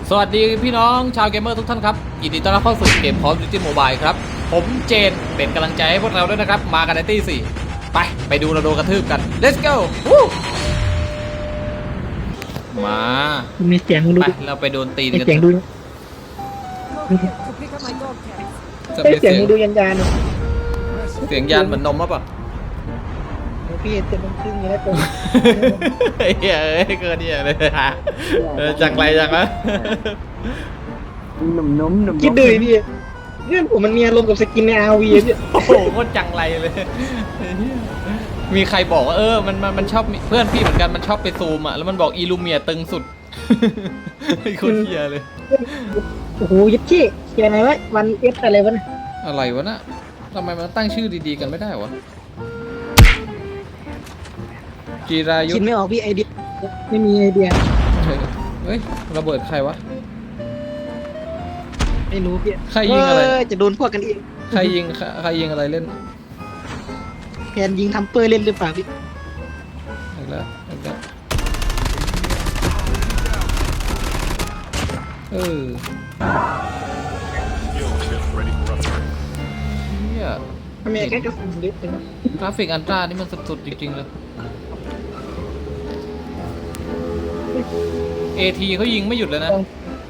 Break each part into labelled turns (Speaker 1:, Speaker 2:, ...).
Speaker 1: สวัสดีพี่น้องชาวเกมเมอร์ทุกท่านครับยินดีต้อนรับเข้าสู่เกม Call of Duty Mobile ครับผมเจนเป็นกำลังใจให้พวกเราด้วยนะครับมากันในตี้ 4ไปดูเราโดนกระทืบกัน let's go มา
Speaker 2: มีเสียงดู
Speaker 1: ไปเราไปโดนตีนกัน
Speaker 2: เสียงดูเสียงดูยัน
Speaker 1: เสียงยานเหมือนนมป่ะ
Speaker 2: พี่เต็มครึ่งอยู่แล้วตัว
Speaker 1: เฮ้ยเกินเนี่ยเลยฮะจากไรจังวะ
Speaker 3: หนุ่ม
Speaker 2: คิดดูพี่เรื่องผมมันมีอารมณ์กับสกินใน RV พี่
Speaker 1: โอ้โหโคตรจังไรเลยมีใครบอกว่ามันชอบเพื่อนพี่เหมือนกันมันชอบไปซูมอ่ะแล้วมันบอกอีลูเมียตึงสุดไอ้คนเฮียเลย
Speaker 2: โอ้โหยัดขี้เขียนอะไรวะวันเอฟอะไรวะ
Speaker 1: อะไรวะน่ะทำไมมันตั้งชื่อดีๆกันไม่ได้วะจีรายุ
Speaker 2: คิดไม่ออกพี่ไอเดียไม่มีไอเดีย
Speaker 1: เฮ้ยระเบิดใครวะ
Speaker 2: ไม่รู้พี่
Speaker 1: ใครยิงอะไร
Speaker 2: จะโดนพวกกันเอง
Speaker 1: ใครยิงอะไรเล่น
Speaker 2: แผนยิงทำเปอร์เล่นหรือเปล่าพี่
Speaker 1: อีกแล้วเนี่ย
Speaker 2: ทำไมแค่กระสุนเล็กเลย
Speaker 1: กราฟิกอันตรานี่มันสุดๆจริงๆเลยAT เขายิงไม่หยุดเลยนะ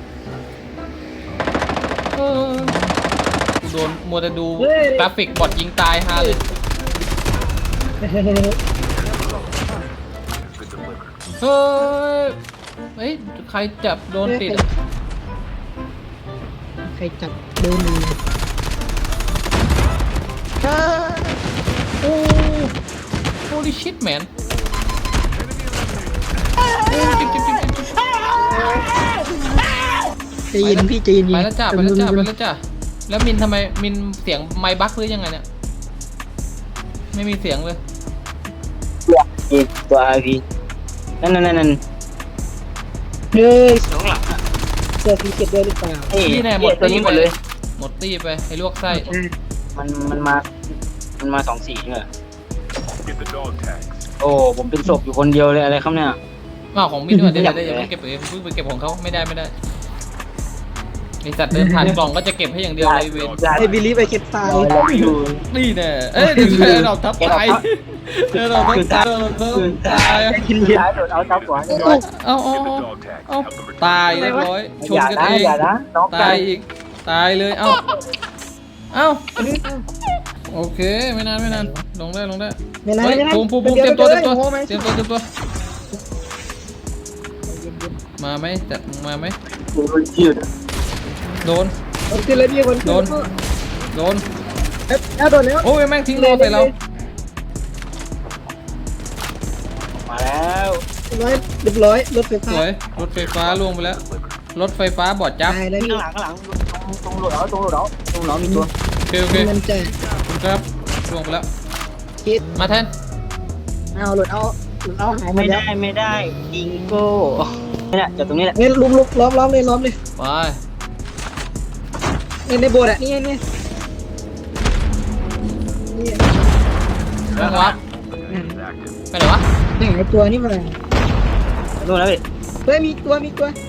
Speaker 1: โดนมัวแต่ดูกราฟิกบอทยิงตายฮาเลยเฮ้ยใครจับโดนติด
Speaker 2: ใครจับโดนมือ
Speaker 1: โอ้ holy shit man
Speaker 2: จะยินพี่จะยิน
Speaker 1: ไปแล้วจ้าแล้วมินทำไมมินเสียงไมค์บั๊กหรือยังไงเนี่ยไม่มีเสียงเลย
Speaker 3: ตัวพี่นั่น
Speaker 2: เฮ้ยสองหลังเจอพี่เก็บด้วยหรือเปล่า
Speaker 1: นี่แน่หมดตัวนี้หมดเลยหมดตี้ไปให้ลวกไส้
Speaker 3: มันมา2 สีเนี่ยโอ้ผมเป็นศพอยู่คนเดียวเลยอะไรครับเนี่ย
Speaker 1: ของมินด้วยเดี๋ยวอย่าเพิ่งเก็บเองเพิ่งไปเก็บของเขาไม่ได้ไอสัตว์เดินผ่านกล่องก็จะเก็บให้อย่างเดียวเลยเวน
Speaker 2: ไอบิลลี่ไปเก็บตาย
Speaker 1: นี่แน่เดี๋ยวเราทับตายเราตาย
Speaker 3: กินยาโดนเอาทับหัว
Speaker 1: เอาตายเรียบร้อยชนกันเองตายอีกตายเลยเอ้าโอเคไม่นานลงได้ภูมิเตรียมตัวมาไหมจัดมาไหมโดน
Speaker 2: ขึ้นเลยพี่คน
Speaker 1: โดน
Speaker 2: โดนแล้ว
Speaker 1: โอ้ยแม่งทิ้งโลใส่เรา
Speaker 3: มาแล้ว
Speaker 2: เรียบร้อยรถไฟฟ้า
Speaker 1: สวยรถไฟฟ้าล่วงไปแล้วรถไฟฟ้าบอดจับ
Speaker 3: ข้างหลังตรงโหลดเอามีตัว
Speaker 1: โอเคครับล่วงไปแล้วมาแทน
Speaker 2: เอาหลุดเอาหาย
Speaker 3: ไม่ได้ยิงโก้เนี่ยจากตรงนี้แหละ
Speaker 2: เนี่ยล้อมเลย
Speaker 1: ไป
Speaker 2: ในโบสถ์อ่ะนี่
Speaker 1: แล้ววะไปไหนวะ
Speaker 2: ไหนตัวนี่มา
Speaker 3: ดูแล้ว
Speaker 2: เฮ้ยมีตัว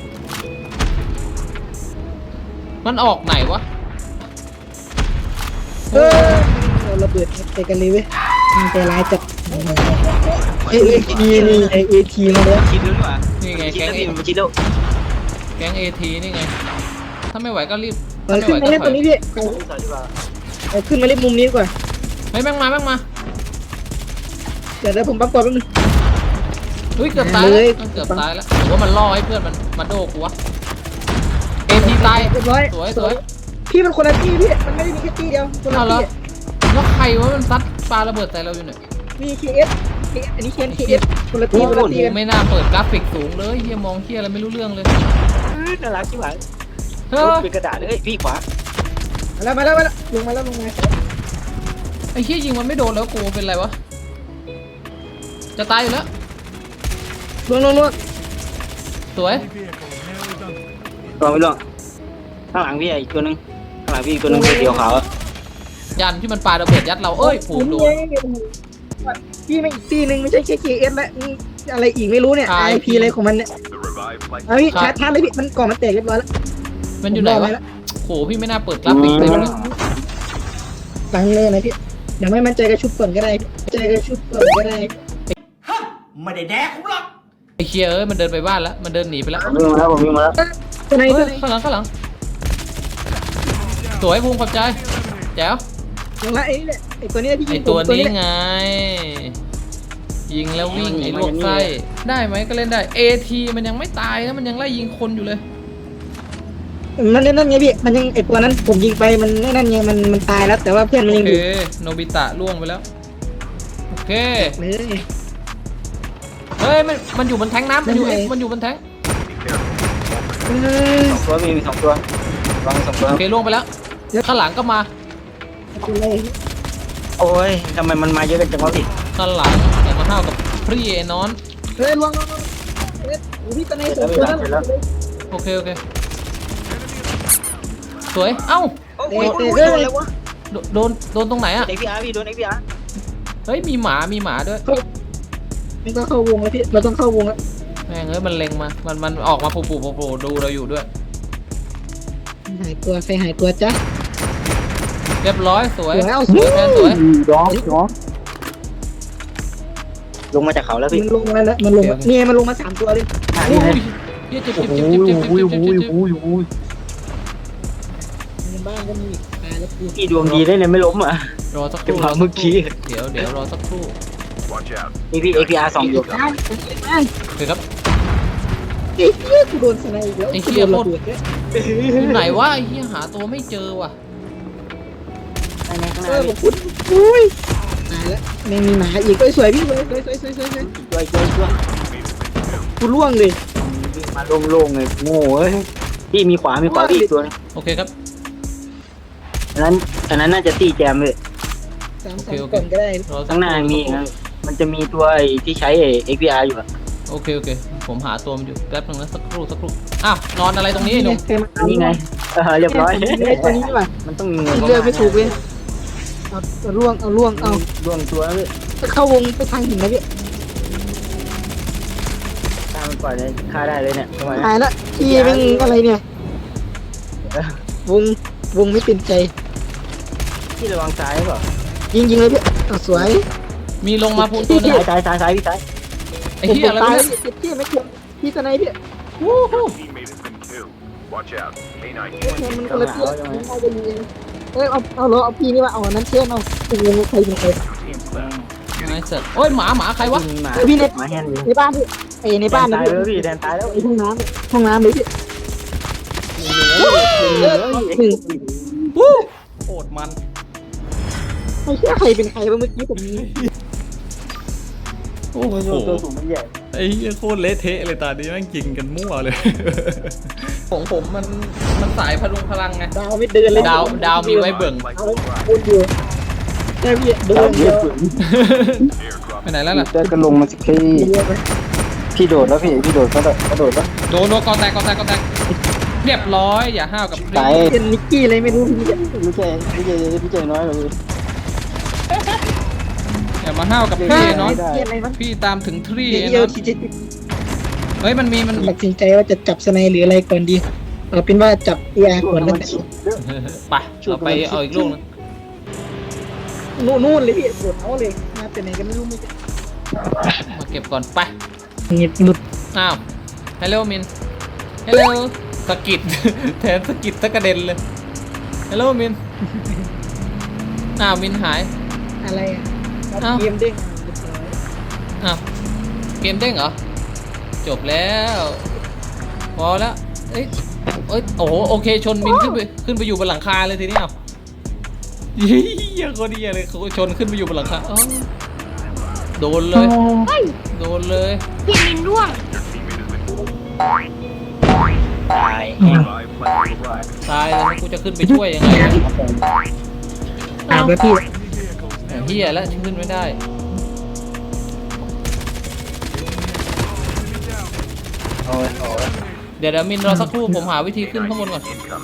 Speaker 1: มันออกไหนวะ
Speaker 2: เราระเบิดไปกันเลยเว้ยมันใจร้ายจัดเอทีมาแล้ว
Speaker 3: คิดรู้ป่ะ
Speaker 1: นี่ไงแก๊งATนี่ไงถ้าไม่ไหวก็รีบ
Speaker 2: ขึ้นมาเล่นตรงนี้พี่ขึ้นมาเล่นมุมนี้ก่อน
Speaker 1: แม่งมา
Speaker 2: เดี๋ยวผมปั๊บก่อนแป๊บนึง
Speaker 1: เกือบตายแล้วหรือว่ามันล่อให้เพื่อนมันมาโดกูวะATตายสวย
Speaker 2: พี่มันคนละที่พี่มันไม่ได้มีแค่ที่เดียวคนละที่
Speaker 1: แล้วใครวะมันซัดปาระเบิดใส่เราอยู่เนี่ย
Speaker 2: มี KS อันนี้KS คนละที่
Speaker 1: ไม่น่าเปิดกราฟิกสูงเลยเฮียมองเฮียอะไรไม่รู้เรื่องเลย
Speaker 3: น่ารักชิบหายเป็นกระดาษเลยพี่ขวา
Speaker 2: มาแล้วลงมา
Speaker 1: ไอ้เฮียยิงมันไม่โดนแล้วกูเป็นไรวะจะตายอยู่แล้ว
Speaker 2: ลง
Speaker 1: สวย
Speaker 3: ไม่ลงข้างหลังพี่อีกตัวนึงเดียวขาว
Speaker 1: ยันที่มันปาระเบิดยัดเราผูกโดน
Speaker 2: พี่ไม่อีกตีนึงไม่ใช่แค่ KS และอะไรอีกไม่รู้เนี่ย IP อะไรของมันเนี่ยเอาพี่ชาร์จเลยพี่มันก่อนมันแตกเรียบร้อยแล้ว
Speaker 1: มันอยู่ไหนวะโหพี่ไม่น่าเปิดกราฟิกเลย
Speaker 2: หลังเลยนะพี่เดี๋ยวไม่มั่นใจก็ชุบก่อนก็ได้ใจก็ชุบก่อนก็ได้
Speaker 4: ไม่ได้แดกผมหรอก
Speaker 1: ไอ้เคียเอ้ยมันเดินไปบ้านแล้วมันเดินหนีไปแล้ว
Speaker 3: ผมวิ่งมาแล้วผมวิ่งมาแล้ว
Speaker 2: ตัวไหน
Speaker 1: เฮ้
Speaker 2: ตัวย ไหน
Speaker 1: ข้างหลังสวยภูมิขอบใจแจ๋ว
Speaker 2: ยังไงไอ้ตัวนี้ที่
Speaker 1: ไอ
Speaker 2: ยิง
Speaker 1: ตัว
Speaker 2: ผม
Speaker 1: นี้ไง ยิงแล้ววิ่งไอ้ลวกไส้ได้ไหมก็เล่นได้เอทีมันยังไม่ตายนะมันยังไล่ยิงคนอยู่เลย
Speaker 2: นั่นไงพี่มันยังไอ้ตัวนั้นผมยิงไปมันนั่นไงมันตายแล้วแต่ว่าเพื่อนมัน
Speaker 1: โอ
Speaker 2: ยังอ
Speaker 1: เค
Speaker 2: ยู่
Speaker 1: โนบิตะล่วงไปแล้วโอเค
Speaker 2: เลย
Speaker 1: เฮ้ยมันอยู่บนแทงน้ำมันอยู่มันอยู่บนแทง
Speaker 3: 2 ตัวมี2 ตัววาง2 ตัว
Speaker 1: โอเคล่วงไปแล้วข้างหลังก็มา
Speaker 2: เลย
Speaker 3: โอ้ยทำไมมันมาเยอะกันจังวะพี่
Speaker 1: ข้างหลังอย่ามาห้าวกับพรีไอ้นอน
Speaker 2: เฮ้ยลวงพี่ตัวไหนสองตัวนั้น
Speaker 1: โอเคสวยเอ้า
Speaker 3: โอ้ยโดนเลยวะ
Speaker 1: โดนตรงไหนอะ
Speaker 3: เอ็กพีอาร์พี่โดน XPR
Speaker 1: เฮ้ยมีหมาด้วย
Speaker 2: มันต้องเข้าวงแล้วพี่เราต้องเข้าวงแล้ว
Speaker 1: แม่งเอ้ยมันเล็งมามันออกมาปูดูเราอยู่ด้วย
Speaker 2: หายตัวใครหายตัวจ้ะ
Speaker 1: เรียบร้อยสวย
Speaker 2: เอา
Speaker 1: สวยแทนสวย
Speaker 3: ลงมาจากเขาแล้วพี่
Speaker 2: มันลงแล้วมันลงนี่มันลงมา3 ตัวเลย
Speaker 1: อุ้ยเฮียเจ็บ
Speaker 2: ในบ้านก็มีตายแล้วกู
Speaker 3: พี่ดวงดีได้เนี่ยไม่ล้มอ่ะ
Speaker 1: รอสักค
Speaker 3: จัง
Speaker 1: รู่
Speaker 3: หวะเมื่อกี้
Speaker 1: เดี๋ยวรอสักครู่
Speaker 3: นี่พี่ XPR 2 อยู่
Speaker 1: โอเคครับ
Speaker 2: ไอ้เหี้ยกูโดนสไนอีกแล้ว
Speaker 1: อยู่ไหนวะไอ้เฮียหาตัวไม่เจอว่ะ
Speaker 3: ข้างห
Speaker 2: เอ
Speaker 3: น้า
Speaker 2: อ
Speaker 3: พี่
Speaker 2: คุณอุ้ยตายแล้วไม่มีหมาอีกสวยพี่เลย
Speaker 3: ช่วย
Speaker 2: กูล่วงเลย
Speaker 3: วิ่งมาโล่งๆเลยโง่เอ้ยพี่มีขวาพี่อีกตัวนึง
Speaker 1: โอเคครับ
Speaker 3: อันนั้นน่าจะตีแจมเลย
Speaker 2: 3 ก่อนก็ได้
Speaker 1: รอสัก
Speaker 3: ข้างหน้ามีนะมันจะมีตัวที่ใช้ XPR อยู่อะ
Speaker 1: โอเคผมหาตัวมันอยู่แป๊บนึงนะสักครู่อ้าวนอนอะไรตรงนี้ไอ้หนุ่ม
Speaker 3: นี่ไงเรียบร้อย
Speaker 2: ตัวนี้ว่ะ
Speaker 3: มันต้องมี
Speaker 2: เลือกไม่ถูกเลยเอาล่วงเอา
Speaker 3: ล่วงตัวเลย
Speaker 2: เข้าวงไปทางหินนะพี่
Speaker 3: ตามมันก่อนเลยฆ่าได้เลยเนี่ยทำไม
Speaker 2: หายละพี่เป็นอะไรเนี่ยวงไม่เป็นใจ
Speaker 3: พี่ระวังซ้ายเปล่า
Speaker 2: ยิงเลยพี่สวย
Speaker 1: มีลงมาพูนตัวนึง
Speaker 3: ซ้ายพี่ซ้าย
Speaker 1: ไอ้เฮียอะไร
Speaker 2: ตายว
Speaker 1: ะ
Speaker 2: พี่ไม่เกี่ยวพี่สไนพี่
Speaker 1: วู้ฮู้
Speaker 5: Watch out. K9
Speaker 2: มันคนละพี่เอาพี่นี่ว่าเอานั้นเชื่อเอาเป็นวงใครเป็นใคร
Speaker 1: ไอ้สัตว์โอ้ยหมาใครวะ
Speaker 3: มีหมา
Speaker 2: พี่เน็ต
Speaker 3: หมาแฮนด์อยู่
Speaker 2: ในบ้านพี่ไอในบ้านนะ
Speaker 3: ตายแล้วพี่แดนตายแล้ว
Speaker 2: ไอห้องน้ำเลยพี่หนึ่ง
Speaker 1: วู้โคตรมัน
Speaker 2: ไม่เชื่อใครเป็นใครวะเมื่อกี้ผม
Speaker 1: โอ้โห
Speaker 3: ตัวสูงมันใหญ่
Speaker 1: ไอ้เหี้ยโคตรเละเทะเลยตอนนี้แม่งกินกันมั่วเลย ของผมมันสายพลุงพลังไง
Speaker 2: ดาวไม่เดินเลย
Speaker 1: ดาวมีไว้เบิ่ง
Speaker 2: เอาพูดอยู่แค่พี่เดินเดียว
Speaker 1: ไปไหนแล้วล่ะ
Speaker 3: เดินก็ลงมาสิพี่โดดแล้วพี่โดดก็โดดแล้ว
Speaker 1: โดนกอแตกเรียบร้อยอย่าห้าวกับพรี
Speaker 3: ตาย
Speaker 2: เป็นนิกกี้อะไรไม่รู้พี่
Speaker 3: พี่เจน้อยกว่าพี่
Speaker 1: อย่ามาห้าวกับพรีเนาะ
Speaker 2: อะไรวะ
Speaker 1: พี่ตามถึงทรี
Speaker 2: เดียว
Speaker 1: เนาะ
Speaker 2: ที่จะ
Speaker 1: เฮ้ยมัน
Speaker 2: ตัดสินใจว่าจะจับสไนหรืออะไรก่อนดีเอาเป็นว่าจับเออาก่อนแล้ว
Speaker 1: ไปเราไปเอาอีกลูกนึง
Speaker 2: นู่นเลยพี่โดดเอาเลยมาแต่ไหนกันไม่รู้ไม่
Speaker 1: มาเก็บก่อนไป
Speaker 2: เงียบหลุด
Speaker 1: อ้าวฮัลโหลมินฮัลโหลสกิด แทนสกิดตะกระเด็นเลยฮัลโหลมินอ้าวมินหาย
Speaker 2: อะไรอ่ะเกมเด้ง
Speaker 1: อ้าวเกมเด้งเหรอจบแล้วพอแล้วเอ้ยโอ้โหโอเคชนมินขึ้นไปอยู่บนหลังคาเลยทีนี้เอาเฮียโคตรเฮียเลยเขาชนขึ้นไปอยู่บนหลังคาอ๋อโดนเลยโดนเลย
Speaker 6: พี่มินร่วง
Speaker 3: ตาย
Speaker 1: ตายแล้วกูจะขึ้นไปช่วยยังไงเนี่ย
Speaker 2: ตามแล้วพี่
Speaker 1: เฮียแล้วขึ้นไม่ได้
Speaker 3: โอ้ย
Speaker 1: เดี๋ยวมินรอสักครู่ผมหาวิธีขึ้นข้างบนก่อน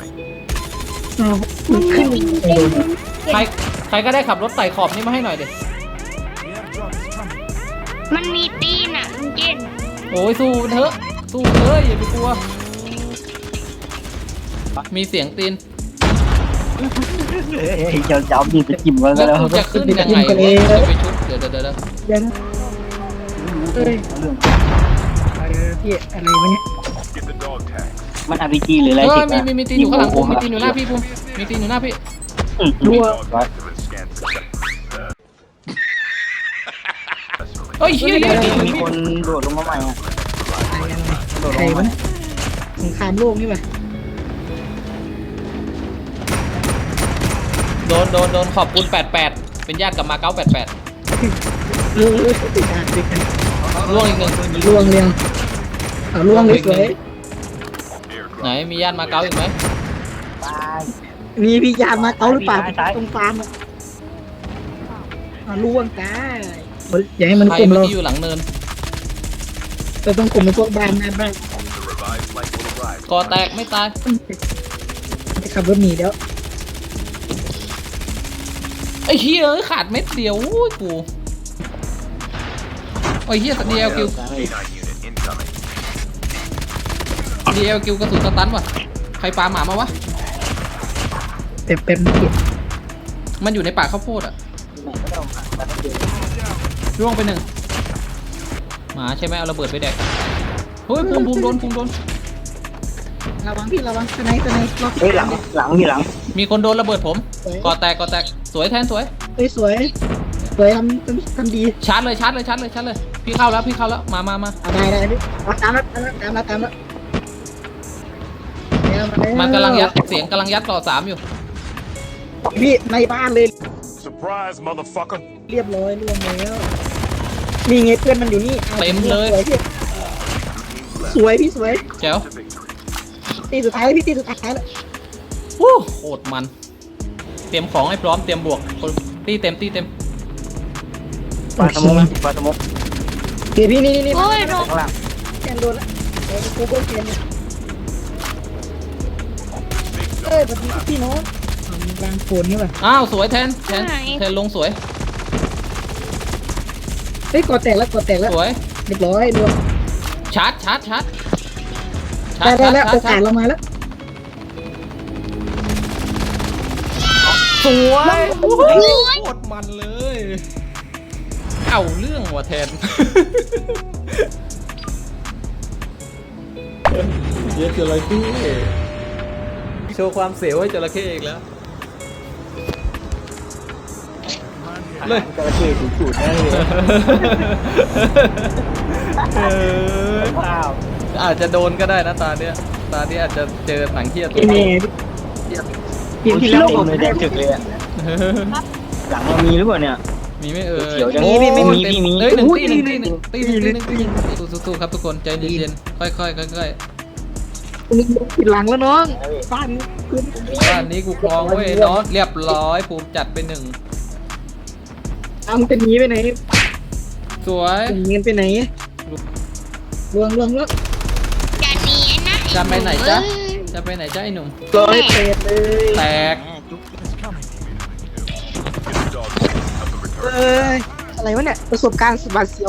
Speaker 2: ขึ้น
Speaker 1: ใครก็ได้ขับรถไต่ขอบนี่มาให้หน่อยเดี๋ย
Speaker 6: มันมีตีนอ่ะลุงเจน
Speaker 1: โอ้ยสู้มันเถอะสู้เลยอย่าไปกลัวมีเสียงตีน
Speaker 3: เจ้าดีไปจิ้มกัน
Speaker 1: แล้ว
Speaker 3: แล้ว
Speaker 1: กูจะขึ้นยังไงวะจะไปชุบเดี๋ยว
Speaker 2: เดี๋ยวนะเฮ้ยพี่อะไรวะเนี่ย
Speaker 5: Get the dog tag.
Speaker 3: มัน RPG หรืออะไร
Speaker 1: เออ
Speaker 3: ติด
Speaker 1: มีตีนอยู่ข้างหลังผมมีตีนอยู่หน้าพี่ภูมิมีตีนอยู่หน้าพี่
Speaker 2: รัว
Speaker 5: Dog active and scan successfully.
Speaker 1: เฮ้ยเฮีย
Speaker 3: มีคนโดดลงมาใหม่อ่ะโดดล
Speaker 2: ใครง
Speaker 3: มาว
Speaker 2: ะเนี่ยสงครามโลกนี่ป่ะ
Speaker 1: โดนขอบคุณ88เป็นญาติกับมาเก๊า88
Speaker 2: ติดกันติดกัน
Speaker 1: ล่วงอีกหนึ่ง
Speaker 2: ล่วงเรียงเอาล่วงเลยสวย
Speaker 1: ไหนมีญาติมาเก๊าอีกไหม
Speaker 2: มีพี่ยามาเกาหรือเปล่าตรงฟาร์มอะล่วงจ้าอย่าให้มัน
Speaker 1: ใคร
Speaker 2: กลุ่ม
Speaker 1: เมื่อ
Speaker 2: เรา
Speaker 1: กี้อยู่หลังเนิน
Speaker 2: เราต้องกลุ่มเป็นพวกบ้านนะบ้าน
Speaker 5: The revived flight will arrive.
Speaker 1: กอแตกไม่ตาย
Speaker 2: จะขับรถหนีแล้ว
Speaker 1: ไอ้เฮียขาดเม็ดเดียวอุ้ยกูไอ้เฮียดีเอลคิว
Speaker 5: K9 unit incoming.
Speaker 1: ดีเอลคิวกระสุนสตันว่ะใครปาหมามาวะ
Speaker 2: เป็น
Speaker 1: มันอยู่ในป่าข้าวโพดอะร่วงไปหนึ่งหมาใช่ไหมเอาระเบิดไปแดกเฮ้ยภูมิโดน
Speaker 2: ระวังพี่ระวังสไนรอบ
Speaker 3: เฮ้ยหลังมีหลัง
Speaker 1: มีคนโดนระเบิดผมกอแตกสวยแทนสวย
Speaker 2: เฮ้ยสวยทำดี
Speaker 1: ชาร์จเลยพี่เข้าแล้วมา
Speaker 2: ได้พี่ตามแล้ว
Speaker 1: มันกำลังยัดเสียงกำลังยัดต่อ3อยู่
Speaker 2: พี่ในบ้านเลย
Speaker 5: Surprise, motherfucker.
Speaker 2: เรียบร้อยล่วงแล้วนี่ไงเพื่อนมันอยู่นี่สวยพี่สวย
Speaker 1: แจ๋ว
Speaker 5: To victory.
Speaker 2: ตีสุดท้ายพี่ตีสุดท้ายแล้ว
Speaker 1: วู้โคตรมันเตรียมของให้พร้อมเตรียมบวกคนตีเต็ม
Speaker 3: ปลาสมองนะปลาสมอง
Speaker 2: พี่นี่
Speaker 6: โอ้ยโดน
Speaker 3: ข้างล่าง
Speaker 2: แกนโดนแล้วกูก็เกนแบบนี้พี่น้องกลางโคนนี่ป่ะ
Speaker 1: อ้าวสวยแทนลงสวย
Speaker 2: เฮ้ยกอแตกแล้ว
Speaker 1: สวย
Speaker 2: เรียบร้อยรวม
Speaker 1: ชาร์จ
Speaker 2: ได้แล้วโอกาสเรามาแล้ว
Speaker 1: สวยโคตรมันเลยเอาเรื่องว่ะแทนเยอะจระเข้โชว์ความเสียวให้จระเข้อีกแล้วเลย
Speaker 3: จระเข้ถูกจุดได้เลยว้าว
Speaker 1: อาจจะโดนก็ได้นะตาเนี้ยอาจจะเจอหนังเทียด
Speaker 2: พี่เมย์พี่แล้ว
Speaker 3: เลยแดงถึกเลยอ่ะหลังเรามีหรือเปล่าเนี่ย
Speaker 1: มีไม่เอ่ย
Speaker 3: เขียวจัง
Speaker 1: โอ้
Speaker 3: มี
Speaker 1: เอ้ยหนึ่งตีสู้ครับทุกคนใจเย็นๆค่อย
Speaker 2: ผิดหลังแล้วน้องบ้านพื้น
Speaker 1: บ้านนี้กูครองเว้ยน้องเรียบร้อยภูมิจัดไป1
Speaker 2: มันเป็นนี้ไปไหน
Speaker 1: สวย
Speaker 2: เงินไปไหนล่วง
Speaker 6: จะหนีนะ
Speaker 1: จะไปไหนจ๊ะไอ้หนุ่ม
Speaker 2: ร้อยเศษเลย
Speaker 1: แตก
Speaker 5: Get the dog tag. Help them return.
Speaker 2: อะไรวะเนี่ยประสบการณ์สบัดเสียว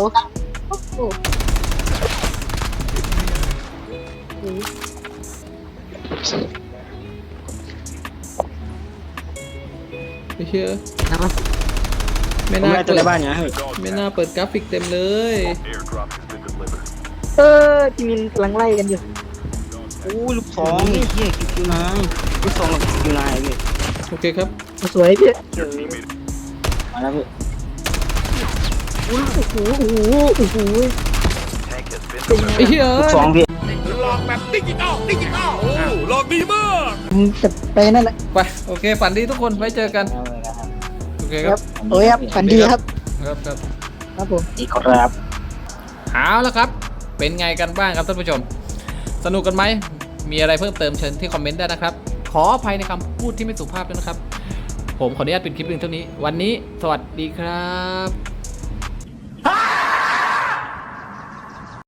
Speaker 1: ไม่เชื่อ
Speaker 2: นะครับ
Speaker 1: ไม่
Speaker 3: ผม
Speaker 1: น่า
Speaker 3: ได้ตัว
Speaker 1: เปิ
Speaker 3: ใน
Speaker 1: ด
Speaker 3: บ้านเนี่ยเฮ้ย
Speaker 1: ไม่น่าเปิดกราฟิกเต็มเลย
Speaker 5: Airdrop has been delivered.
Speaker 2: พี่มินกำลังไล่กันอยู่
Speaker 3: อู้ลูกสองนี่เฮียคิวนายลูกสองกับคิวนายพี่
Speaker 1: โอเคครับ
Speaker 2: สวยพี่
Speaker 3: มาแล้วพี่
Speaker 2: โอ้โห
Speaker 5: Tank has been
Speaker 1: ไอ้เหี้ย
Speaker 3: ลูกสองพี่
Speaker 2: จะไปนั่นแหละ
Speaker 1: ไปโอเคฝันดีทุกคนไว้เจอกันโอเค
Speaker 2: ค
Speaker 1: ค
Speaker 2: รั
Speaker 1: รั
Speaker 2: บบ โอ้ยครับฝันดีครับ
Speaker 1: ครับ
Speaker 2: ครับผม
Speaker 3: อีกครับ
Speaker 1: เอาละครับเป็นไงกันบ้างครับท่านผู้ชมสนุกกันไหมมีอะไรเพิ่มเติมเชิญที่คอมเมนต์ได้นะครับขออภัยในคำพูดที่ไม่สุภาพด้วยนะครับผมขออนุญาตปิดคลิปเพียงเท่านี้วันนี้สวัสดีครับ